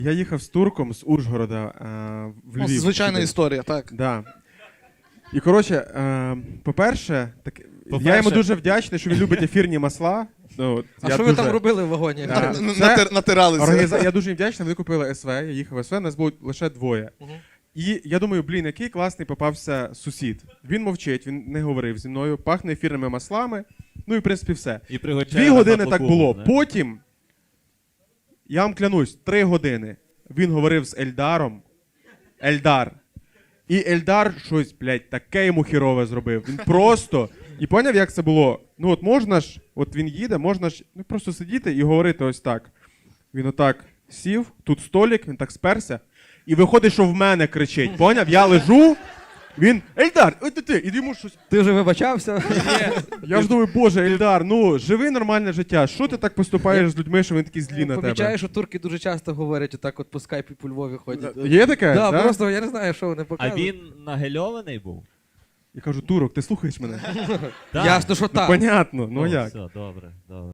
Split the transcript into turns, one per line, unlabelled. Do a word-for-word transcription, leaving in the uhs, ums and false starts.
Я їхав з турком з Ужгорода е, в
Ну,
Львів.
звичайна
сюди.
історія, так.
Да. І, коротше, е, по-перше, так,
По-перше-
я йому дуже вдячний, що він любить ефірні масла. Ну, от,
А
я
що ви
дуже...
там робили в вагоні?
Да.
Н-
Це
натир- Натиралися.
Організа... Я дуже їм вдячний, вони купили ес ве, я їхав в ес ве, нас було лише двоє.
Мгм.
І я думаю, блін, який класний попався сусід. Він мовчить, він не говорив зі мною, пахне ефірними маслами, ну і в принципі все.
І пригощає
Дві
на
години так
фотку,
було.
не?
Потім, я вам клянусь, три години він говорив з Ельдаром. Ельдар. І Ельдар щось, блядь, таке йому хірове зробив. Він просто. І поняв, як це було? Ну от можна ж, от він їде, можна ж ну, просто сидіти і говорити ось так. Він отак сів, тут столик, він так сперся. І виходить, що в мене кричить. Поняв? Я лежу, він Ельдар, ой ти ти, і йому щось.
Ти вже вибачався?
Я ж думаю, боже, Ельдар, ну живи нормальне життя. Що ти так поступаєш з людьми, що вони такі злі на тебе?
Помічаю, що турки дуже часто говорять отак от по скайпі по Львові ходять.
Є таке?
Да,
да?
просто я не знаю, що вони
А
показують.
він нагельований був?
Я кажу, турок, ти слухаєш мене?
Так.
Ясно, що так.
Понятно, ну
О,
як?
Все, добре, добре.